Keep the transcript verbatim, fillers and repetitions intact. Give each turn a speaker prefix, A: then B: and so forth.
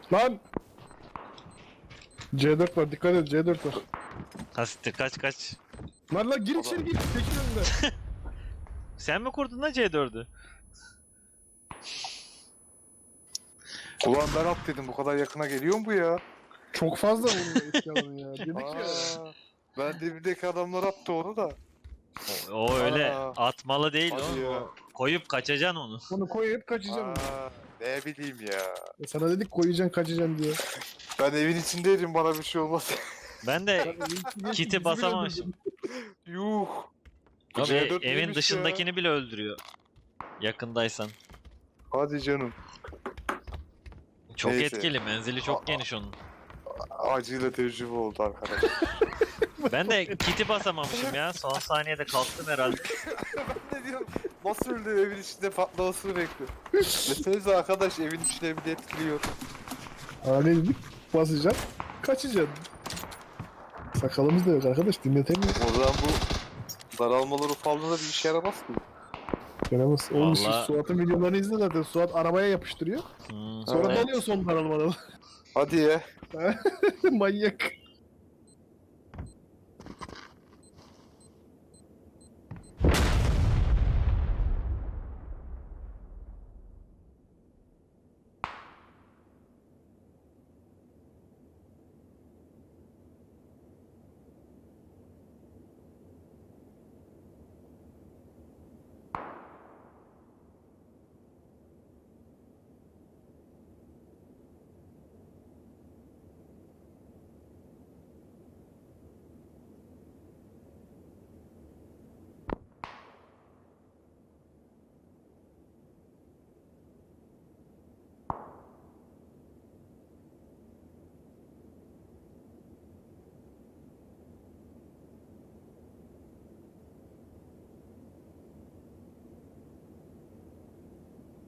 A: Lan! C dört var, dikkat et, C dört var.
B: Hasittir, kaç kaç.
A: Lan lan gir içeri gir, tekin önünde.
B: Sen mi kurdun da C dördü?
C: Ulan ben at dedim, bu kadar yakına geliyor mu bu ya?
A: Çok fazla bunun etki alanı ya, dedik ya.
C: Aa, ben dibindeki adamlar attı onu da.
B: O, o öyle
C: Aa.
B: atmalı değil
C: Hadi
B: oğlum.
C: ya.
B: O koyup kaçacaksın onu.
A: Bunu koyup kaçacaksın.
C: Aa, ne bileyim ya.
A: E sana dedik koyacaksın kaçacaksın diye.
C: Ben evin içindeydim, bana bir şey olmaz.
B: Ben de kiti basamamışım.
C: Yuh. Bu
B: Abi,
C: C dört
B: evin
C: neymiş
B: dışındakini bile öldürüyor. Yakındaysan.
C: ya? Hadi canım.
B: Çok
C: Neyse.
B: etkili, menzili çok
C: Aa.
B: geniş onun.
C: Acıyla tecrübe oldu arkadaş.
B: Ben de kiti basamamışım ya. Son saniyede kalktım herhalde.
C: Ben ne diyorum? Nasıl öldü, evin içinde patlamasını bekliyor. Desenize arkadaş, evin içine bile etkiliyor.
A: Aa ne dedik? Basacaksın, kaçacaksın. Sakalımız da yok arkadaş, dinletemiyor.
C: O zaman bu daralmaları falan da bir işe yaramaz ki.
A: Yaramaz. Oğlum siz
B: Vallahi-
A: Suat'ın videolarını izle zaten. Suat arabaya yapıştırıyor.
B: Hmm,
A: Sonra
B: evet.
A: dalıyor son daralmadan.
C: Hadi ya.
A: Manyak.